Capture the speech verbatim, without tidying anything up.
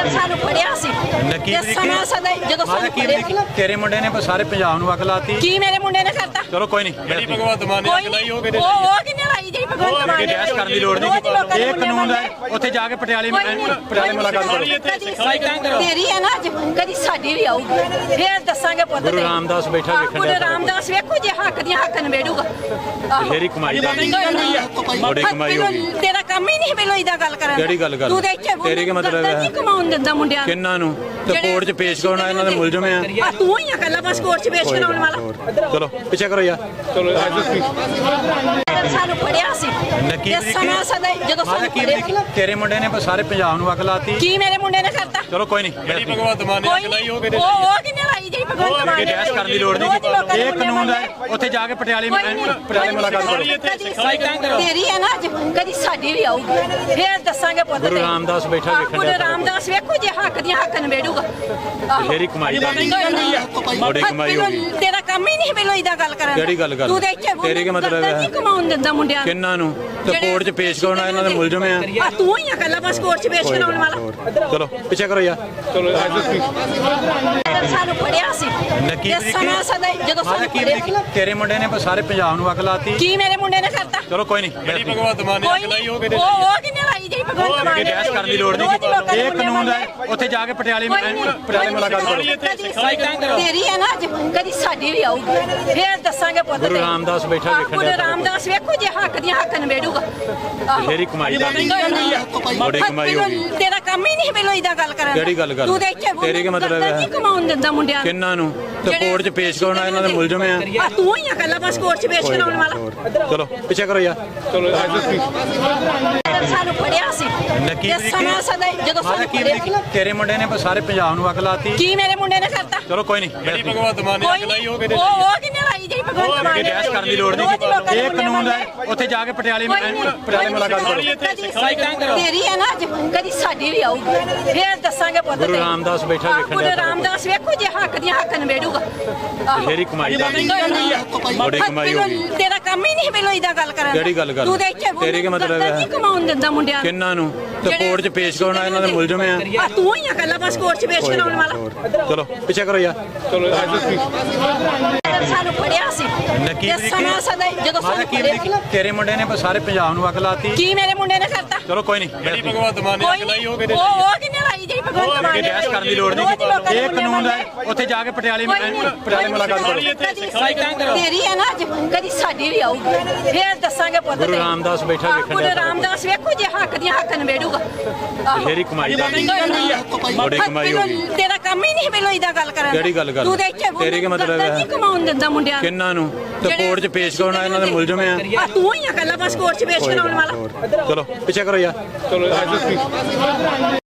ਸਾਨੂੰ ਫੜਿਆ ਸੀ ਤੇ ਸਮਾਂ ਸਦਾ ਜਦੋਂ ਸਾਨੂੰ ਫੜਿਆ ਤੇਰੇ ਮੁੰਡੇ ਨੇ ਸਾਰੇ ਪੰਜਾਬ ਨੂੰ ਅੱਗ ਲਾਤੀ। ਕੀ ਮੇਰੇ ਮੁੰਡੇ ਨੇ ਕਰਤਾ? ਚਲੋ ਕੋਈ ਨਹੀਂ, ਜਿਹੜੀ ਭਗਵੰਤ ਮਾਨ ਨੇ ਅੱਗ ਲਾਈ ਉਹ ਕਿਹਦੇ ਉਹ ਉਹ ਕਿੰਨੇ ਲਾਈ ਜਿਹੜੀ ਭਗਵੰਤ ਮਾਨ ਨੇ ਬਹਿਸ ਕਰਨ ਦੀ ਲੋੜ ਨਹੀਂ। ਇਹ ਕਾਨੂੰਨ ਹੈ, ਉੱਥੇ ਜਾ ਕੇ ਪਟਿਆਲੇ ਪਟਿਆਲੇ ਮੁਲਾਕਾਤ ਕਰੋ। ਤੇਰੀ ਹੈ ਨਾ ਅੱਜ, ਕਦੀ ਸਾਡੀ ਵੀ ਆਊਗੀ, ਫੇਰ ਦੱਸਾਂਗੇ ਪੁੱਤ। ਗੁਰੂ ਰਾਮਦਾਸ ਬੈਠਾ ਵੇਖਣ ਗੁਰੂ ਰਾਮਦਾਸ ਵੇਖੋ ਜੇ ਹੱਕ ਦੀਆਂ ਹੱਕ ਨਵੇੜੂਗਾ। ਤੇਰੀ ਕਮਾਈ ਦਾ ਬੜੀ ਕਮਾਈ ਹੋਗੀ। ਤੇਰਾ ਕੰਮ ਹੀ ਨਹੀਂ ਮੈਨੂੰ ਇਦਾਂ ਗੱਲ ਕਰਨ। ਕਿਹੜੀ ਗੱਲ ਕਰ? ਤੂੰ ਦੇਖ ਕੇ ਤੇਰੀ ਕੀ ਮਤਲਬ ਹੈ? ਨਹੀਂ ਕਮਾਉਣ ਦਿੰਦਾ ਮੁੰਡਿਆਂ ਨੂੰ। ਕਿੰਨਾਂ ਨੂੰ? ਤੇ ਕੋਰਟ 'ਚ ਪੇਸ਼ ਕਰਾਉਣਾ ਇਹਨਾਂ ਦੇ ਮੁਲਜ਼ਮ ਆ। ਤੂੰ ਹੀ ਆ ਕੱਲਾ ਬਸ ਕੋਰਟ 'ਚ ਪੇਸ਼ ਕਰਾਉਣ ਵਾਲਾ। ਚਲੋ ਪਿੱਛੇ ਕਰੋ ਯਾਰ। ਚਲੋ ਸਾਨੂੰ ਫੜਿਆ ਸੀ ਤੇ ਸਮਾਂ ਸਦਾ ਜਦੋਂ ਸਾਨੂੰ ਫੜਿਆ। ਤੇਰੇ ਮੁੰਡੇ ਨੇ ਸਾਰੇ ਪੰਜਾਬ ਨੂੰ ਅੱਗ ਲਾਤੀ। ਕੀ ਮੇਰੇ ਮੁੰਡੇ ਨੇ ਕਰਤਾ? ਚਲੋ ਕੋਈ ਨਹੀਂ, ਜਿਹੜੀ ਭਗਵੰਤ ਮਾਨ ਨੇ ਅੱਗ ਲਾਈ ਉਹ ਕਿਹਦੇ ਉਹ ਉਹ ਕਿੰਨੇ ਲਾਈ ਜਿਹੜੀ ਭਗਵੰਤ ਮਾਨ ਨੇ ਬਹਿਸ ਕਰਨ ਦੀ ਲੋੜ ਨਹੀਂ। ਇਹ ਕਾਨੂੰਨ ਹੈ, ਉੱਥੇ ਜਾ ਕੇ ਪਟਿਆਲੇ ਪਟਿਆਲੇ ਮੁਲਾਕਾਤ ਕਰੋ। ਤੇਰੀ ਹੈ ਨਾ ਅੱਜ, ਕਦੀ ਸਾਡੀ ਵੀ ਆਊਗੀ, ਫੇਰ ਦੱਸਾਂਗੇ ਪੁੱਤ। ਗੁਰੂ ਰਾਮਦਾਸ ਬੈਠਾ ਵੇਖਣ ਗੁਰੂ ਰਾਮਦਾਸ ਵੇਖੋ ਜੇ ਹੱਕ ਦੀਆਂ ਹੱਕ ਨਵੇੜੂਗਾ। ਤੇਰੀ ਕਮਾਈ ਦਾ ਬੜੀ ਕਮਾਈ ਹੋਗੀ। ਤੇਰਾ ਕੰਮ ਹੀ ਨਹੀਂ ਮੈਨੂੰ ਇਦਾਂ ਗੱਲ ਕਰਨ। ਕਿਹੜੀ ਗੱਲ ਕਰ? ਤੂੰ ਦੇਖ ਕੇ ਤੇਰੀ ਕੀ ਮਤਲਬ ਹੈ? ਨਹੀਂ ਕਮਾਉਣ ਦਿੰਦਾ ਮੁੰਡਿਆਂ ਨੂੰ। ਕਿੰਨਾਂ ਨੂੰ? ਤੇ ਕੋਰਟ 'ਚ ਪੇਸ਼ ਕਰਾਉਣਾ ਇਹਨਾਂ ਦੇ ਮੁਲਜ਼ਮ ਆ। ਤੂੰ ਹੀ ਆ ਕੱਲਾ ਬਸ ਕੋਰਟ 'ਚ ਪੇਸ਼ ਕਰਾਉਣ ਵਾਲਾ। ਚਲੋ ਪਿੱਛੇ ਕਰੋ ਯਾਰ। ਚਲੋ ਸਾਨੂੰ ਫੜਿਆ ਸੀ ਤੇ ਸਮਾਂ ਸਦਾ ਜਦੋਂ ਸਾਨੂੰ ਫੜਿਆ। ਤੇਰੇ ਮੁੰਡੇ ਨੇ ਸਾਰੇ ਪੰਜਾਬ ਨੂੰ ਅੱਗ ਲਾਤੀ। ਕੀ ਮੇਰੇ ਮੁੰਡੇ ਨੇ ਕਰਤਾ? ਚਲੋ ਕੋਈ ਨਹੀਂ, ਜਿਹੜੀ ਭਗਵੰਤ ਮਾਨ ਨੇ ਅੱਗ ਲਾਈ ਉਹ ਕਿਹਦੇ ਉਹ ਉਹ ਕਿੰਨੇ ਲਾਈ ਜਿਹੜੀ ਭਗਵੰਤ ਮਾਨ ਨੇ ਬਹਿਸ ਕਰਨ ਦੀ ਲੋੜ ਨਹੀਂ। ਇਹ ਕਾਨੂੰਨ ਹੈ, ਉੱਥੇ ਜਾ ਕੇ ਪਟਿਆਲੇ ਪਟਿਆਲੇ ਮੁਲਾਕਾਤ ਕਰੋ। ਤੇਰੀ ਹੈ ਨਾ ਅੱਜ, ਕਦੀ ਸਾਡੀ ਵੀ ਆਊਗੀ, ਫੇਰ ਦੱਸਾਂਗੇ ਪੁੱਤ। ਗੁਰੂ ਰਾਮਦਾਸ ਬੈਠਾ ਵੇਖਣ ਗੁਰੂ ਰਾਮਦਾਸ ਵੇਖੋ ਜੇ ਹੱਕ ਦੀਆਂ ਹੱਕ ਨਵੇੜੂਗਾ। ਤੇਰੀ ਕਮਾਈ ਦਾ ਬੜੀ ਕਮਾਈ ਹੋਗੀ। ਤੇਰਾ ਕੰਮ ਹੀ ਨਹੀਂ ਮੈਨੂੰ ਇਦਾਂ ਗੱਲ ਕਰਨ। ਕਿਹੜੀ ਗੱਲ ਕਰ? ਤੂੰ ਦੇਖ ਕੇ ਤੇਰੀ ਕੀ ਮਤਲਬ ਹੈ? ਨਹੀਂ ਕਮਾਉਣ ਦਿੰਦਾ ਮੁੰਡਿਆਂ ਨੂੰ। ਕਿੰਨਾਂ ਨੂੰ? ਤੇ ਕੋਰਟ 'ਚ ਪੇਸ਼ ਕਰਾਉਣਾ ਇਹਨਾਂ ਦੇ ਮੁਲਜ਼ਮ ਆ। ਤੂੰ ਹੀ ਆ ਕੱਲਾ ਬਸ ਕੋਰਟ 'ਚ ਪੇਸ਼ ਕਰਾਉਣ ਵਾਲਾ। ਚਲੋ ਪਿੱਛੇ ਕਰੋ ਯਾਰ। ਚਲੋ ਸਾਨੂੰ ਫੜਿਆ ਸੀ ਤੇ ਸਮਾਂ ਸਦਾ ਜਦੋਂ ਸਾਨੂੰ ਫੜਿਆ। ਤੇਰੇ ਮੁੰਡੇ ਨੇ ਸਾਰੇ ਪੰਜਾਬ ਨੂੰ ਅੱਗ ਲਾਤੀ। ਕੀ ਮੇਰੇ ਮੁੰਡੇ ਨੇ ਕਰਤਾ? ਚਲੋ ਕੋਈ ਨਹੀਂ, ਜਿਹੜੀ ਭਗਵੰਤ ਮਾਨ ਨੇ ਅੱਗ ਲਾਈ ਉਹ ਕਿਹਦੇ ਉਹ ਉਹ ਕਿੰਨੇ ਲਾਈ ਜਿਹੜੀ ਭਗਵੰਤ ਮਾਨ ਨੇ। ਬਹਿਸ ਕਰਨ ਦੀ ਲੋੜ ਨਹੀਂ। ਇਹ ਕਾਨੂੰਨ ਹੈ, ਉੱਥੇ ਜਾ ਕੇ ਪਟਿਆਲੇ ਪਟਿਆਲੇ ਮੁਲਾਕਾਤ ਕਰੋ। ਤੇਰੀ ਹੈ ਨਾ ਅੱਜ, ਕਦੀ ਸਾਡੀ ਵੀ ਆਊਗੀ, ਫੇਰ ਦੱਸਾਂਗੇ ਪੁੱਤ। ਗੁਰੂ ਰਾਮਦਾਸ ਬੈਠਾ ਵੇਖਣ ਗੁਰੂ ਰਾਮਦਾਸ ਵੇਖੋ ਜੇ ਹੱਕ ਦੀਆਂ ਹੱਕ ਨਵੇੜੂਗਾ। ਤੇਰੀ ਕਮਾਈ ਦਾ ਬੜੀ ਕਮਾਈ ਹੋਗੀ। ਤੇਰਾ ਕੰਮ ਹੀ ਨਹੀਂ ਮੈਨੂੰ ਇਦਾਂ ਗੱਲ ਕਰਨ। ਕਿਹੜੀ ਗੱਲ ਕਰ? ਤੂੰ ਦੇਖ ਕੇ ਤੇਰੀ ਕੀ ਮਤਲਬ ਹੈ? ਨਹੀਂ ਕਮਾਉਣ ਦਿੰਦਾ ਮੁੰਡਿਆਂ ਨੂੰ। ਕਿੰਨਾਂ ਨੂੰ? ਤੇ ਕੋਰਟ 'ਚ ਪੇਸ਼ ਕਰਾਉਣਾ ਇਹਨਾਂ ਦੇ ਮੁਲਜ਼ਮ ਆ। ਤੂੰ ਹੀ ਆ ਕੱਲਾ ਬਸ ਕੋਰਟ 'ਚ ਪੇਸ਼ ਕਰਾਉਣ ਵਾਲਾ। ਚਲੋ ਪਿੱਛੇ ਕਰੋ ਯਾਰ। ਚਲੋ ਸਾਨੂੰ ਫੜਿਆ ਸੀ ਤੇ ਸਮਾਂ ਸਦਾ ਜਦੋਂ ਸਾਨੂੰ ਫੜਿਆ। ਤੇਰੇ ਮੁੰਡੇ ਨੇ ਸਾਰੇ ਪੰਜਾਬ ਨੂੰ ਅੱਗ ਲਾਤੀ। ਕੀ ਮੇਰੇ ਮੁੰਡੇ ਨੇ ਕਰਤਾ? ਚਲੋ ਕੋਈ ਨਹੀਂ, ਜਿਹੜੀ ਭਗਵੰਤ ਮਾਨ ਨੇ ਅੱਗ ਲਾਈ ਉਹ ਕਿਹਦੇ ਉਹ ਉਹ ਕਿੰਨੇ ਲਾਈ ਜਿਹੜੀ ਭਗਵੰਤ ਮਾਨ ਨੇ। ਬਹਿਸ ਕਰਨ ਦੀ ਲੋੜ ਨਹੀਂ। ਇਹ ਕਾਨੂੰਨ ਹੈ, ਉੱਥੇ ਜਾ ਕੇ ਪਟਿਆਲੇ ਪਟਿਆਲੇ ਮੁਲਾਕਾਤ ਕਰੋ। ਤੇਰੀ ਹੈ ਨਾ ਅੱਜ, ਕਦੀ ਸਾਡੀ ਵੀ ਆਊਗੀ, ਫੇਰ ਦੱਸਾਂਗੇ ਪੁੱਤ। ਗੁਰੂ ਰਾਮਦਾਸ ਬੈਠਾ ਵੇਖਣ ਗੁਰੂ ਰਾਮਦਾਸ ਵੇਖੋ ਜੇ ਹੱਕ ਦੀਆਂ ਹੱਕ ਨਵੇੜੂਗਾ। ਤੇਰੀ ਕਮਾਈ ਦਾ ਬੜੀ ਕਮਾਈ ਹੋਗੀ। ਤੇਰਾ ਕੰਮ ਹੀ ਨਹੀਂ ਮੈਨੂੰ ਇਦਾਂ ਗੱਲ ਕਰਨ। ਕਿਹੜੀ ਗੱਲ ਕਰ? ਤੂੰ ਦੇਖ ਕੇ ਤੇਰੀ ਕੀ ਮਤਲਬ ਹੈ? ਨਹੀਂ ਕਮਾਉਣ ਦਿੰਦਾ ਮੁੰਡਿਆਂ ਨੂੰ। ਕਿੰਨਾਂ ਨੂੰ? ਤੇ ਕੋਰਟ 'ਚ ਪੇਸ਼ ਕਰਾਉਣਾ ਇਹਨਾਂ ਦੇ ਮੁਲਜ਼ਮ ਆ। ਤੂੰ ਹੀ ਆ ਕੱਲਾ ਬਸ ਕੋਰਟ 'ਚ ਪੇਸ਼ ਕਰਾਉਣ ਵਾਲਾ। ਚਲੋ ਪਿੱਛੇ ਕਰੋ ਯਾਰ। ਚਲੋ